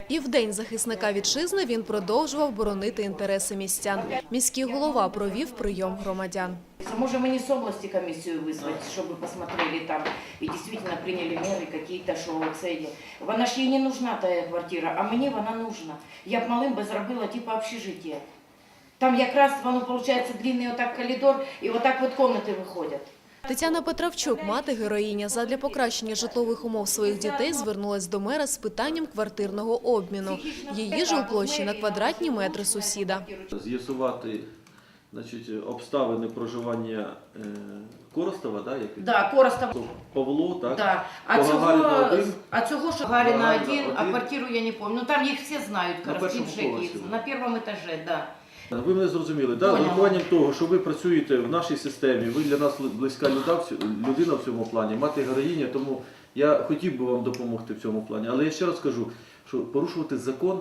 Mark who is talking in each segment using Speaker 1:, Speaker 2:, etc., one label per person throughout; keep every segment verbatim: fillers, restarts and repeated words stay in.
Speaker 1: І в День захисника вітчизни він продовжував боронити інтереси містян. Міський голова провів прийом громадян.
Speaker 2: Можем мы не с области комиссию вызвать, чтобы посмотрели там и действительно приняли меры какие-то, что це. Вона ж їй не нужна та квартира, а мені вона нужна. Я б малим би зробила типу общежиття. Там якраз воно, виходить, длинний отак коридор і отак от кімнати виходять.
Speaker 1: Тетяна Петравчук, мати героїня, задля покращення житлових умов своїх дітей звернулась до мера з питанням квартирного обміну. Її жилплощі на квадратні метри сусіда.
Speaker 3: З'ясувати, значить, обставини проживання е, Коростова, да, як?
Speaker 2: Да, Коростов.
Speaker 3: Павло, так?
Speaker 2: Да. А, цього, а цього, що Гагаріна один, а квартиру я не пам'ятаю. Ну там їх всі знають, Коростів, Жеків. На першому етажі, так. Да.
Speaker 3: Ви мене зрозуміли, да? З урахуванням того, що ви працюєте в нашій системі, ви для нас близька людина в цьому плані, мати героїня, тому я хотів би вам допомогти в цьому плані. Але я ще раз кажу, що порушувати закон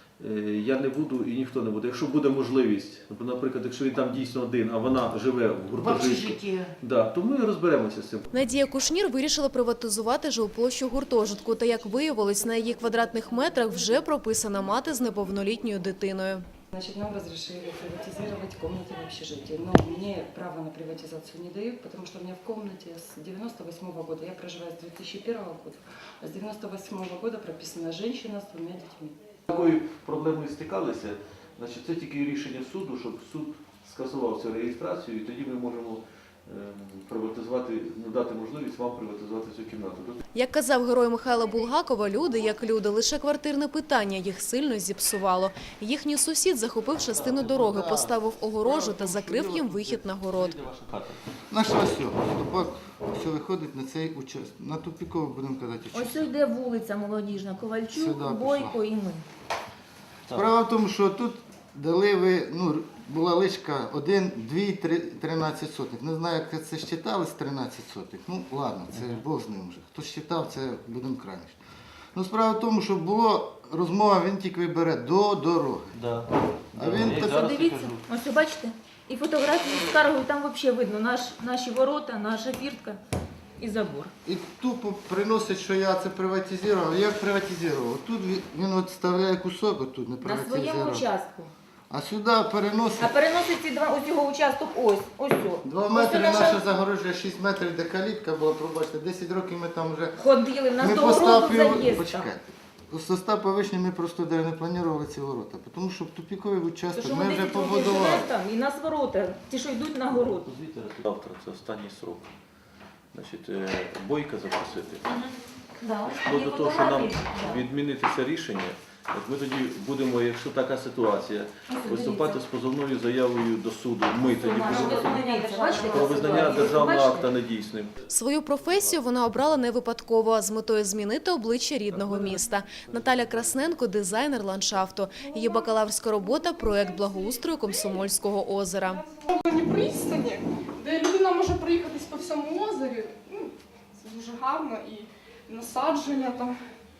Speaker 3: я не буду і ніхто не буде. Якщо буде можливість, наприклад, якщо він там дійсно один, а вона живе в гуртожитку, да, то ми розберемося з цим.
Speaker 1: Надія Кушнір вирішила приватизувати жилплощу гуртожитку. Та, як виявилось, на її квадратних метрах вже прописана мати з неповнолітньою дитиною.
Speaker 4: Значит, нам разрешили приватизировать комнаты в общежитии, но мне право на приватизацию не дают, потому что у меня в комнате с девяносто восьмого года, я проживаю с две тысячи первого года, а с девяносто восьмого года прописана женщина с двумя детьми.
Speaker 3: Такою проблемою стикалися, значить, це тільки рішення суду, щоб суд скасував цю реєстрацію, і тоді ми можемо приватизувати, надати можливість вам приватизувати цю кімнату.
Speaker 1: Як казав герой Михайла Булгакова, люди, як люди, лише квартирне питання їх сильно зіпсувало. Їхній сусід захопив частину дороги, поставив огорожу та закрив їм вихід на город.
Speaker 5: Наша ось, тупак, все виходить на цей участок. На тупіково будемо казати участок.
Speaker 6: Ось йде вулиця Молодіжна, Ковальчук,
Speaker 5: Сюди
Speaker 6: Бойко і ми.
Speaker 5: Справа в тому, що тут дали ви, ну, була лишка один, дві, тринадцять сотих. Не знаю, як це считалось, тринадцять сотих. Ну, ладно, це Бог з ним вже. Хто считав, це будемо крайніше. Ну, справа в тому, що було розмова, він тільки бере до дороги.
Speaker 3: Да.
Speaker 5: А він
Speaker 3: Я
Speaker 5: так...
Speaker 3: зараз
Speaker 6: Дивіться,
Speaker 3: кажу.
Speaker 6: ось бачите, і фотографії з каргою, там взагалі видно наш, наші ворота, наша фіртка і забор.
Speaker 5: І тупо приносить, що я це приватизував. Як приватизував? Тут він, він от вставляє кусок, отут не
Speaker 6: На
Speaker 5: приватизував.
Speaker 6: своєму участку.
Speaker 5: А сюди переносить...
Speaker 6: А переносить ці два, ось його участок ось, ось о.
Speaker 5: Два метри наша загорожує, шість метрів, де калітка була, пробачте, десять років ми там вже...
Speaker 6: Ходили, в нас
Speaker 5: Ми
Speaker 6: до городу
Speaker 5: поставили,
Speaker 6: заїзд.
Speaker 5: почекайте, у состав повишення ми просто де не планували ці ворота, тому що в тупіковий
Speaker 6: То
Speaker 5: участок
Speaker 6: що
Speaker 5: ми
Speaker 6: ми
Speaker 5: вже
Speaker 6: десять років
Speaker 5: побудували.
Speaker 6: живемо там, і нас ворота, ті, що йдуть на город.
Speaker 3: Завтра це останній срок. Значить, е, Бойка запросити.
Speaker 6: Да.
Speaker 3: Ну,
Speaker 6: Є
Speaker 3: до того, що нам
Speaker 6: фотографії.
Speaker 3: відмінити це рішення, от ми тоді будемо, якщо така ситуація, виступати з позовною заявою до суду. Ми тоді будемо
Speaker 6: Бачите,
Speaker 3: про визнання
Speaker 6: ситуація?
Speaker 3: державного
Speaker 6: Бачите?
Speaker 3: акта недійсним.
Speaker 1: Свою професію вона обрала не випадково, а з метою змінити обличчя рідного міста. Наталя Красненко – дизайнер ландшафту. Її бакалаврська робота – проєкт благоустрою Комсомольського озера.
Speaker 7: Пристані, де людина може проїхатись по всьому озері, ну, це дуже гарно, і насадження там.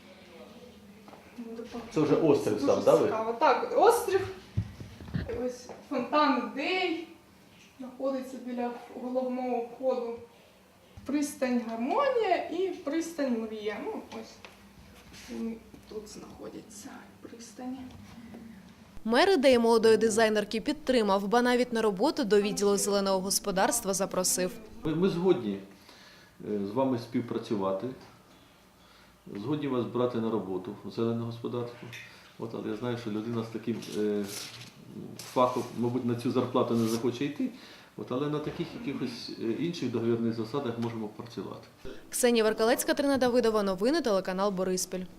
Speaker 3: Це вже острів
Speaker 7: Дуже
Speaker 3: сам, так?
Speaker 7: цікаво. Так, острів, ось фонтан Ідей, знаходиться біля головного входу. Пристань Гармонія і пристань Мрія. Ну, ось вони тут знаходяться, пристані.
Speaker 1: Мер ідеї молодої дизайнерки підтримав, ба навіть на роботу до відділу зеленого господарства запросив.
Speaker 3: Ми, ми згодні е, з вами співпрацювати, згодні вас брати на роботу в зелене господарство. От, але я знаю, що людина з таким е, фахом, мабуть, на цю зарплату не захоче йти, от, але на таких якихось інших договірних засадах можемо працювати.
Speaker 1: Ксенія Веркалецька, Трина Давидова, новини, телеканал Бориспіль.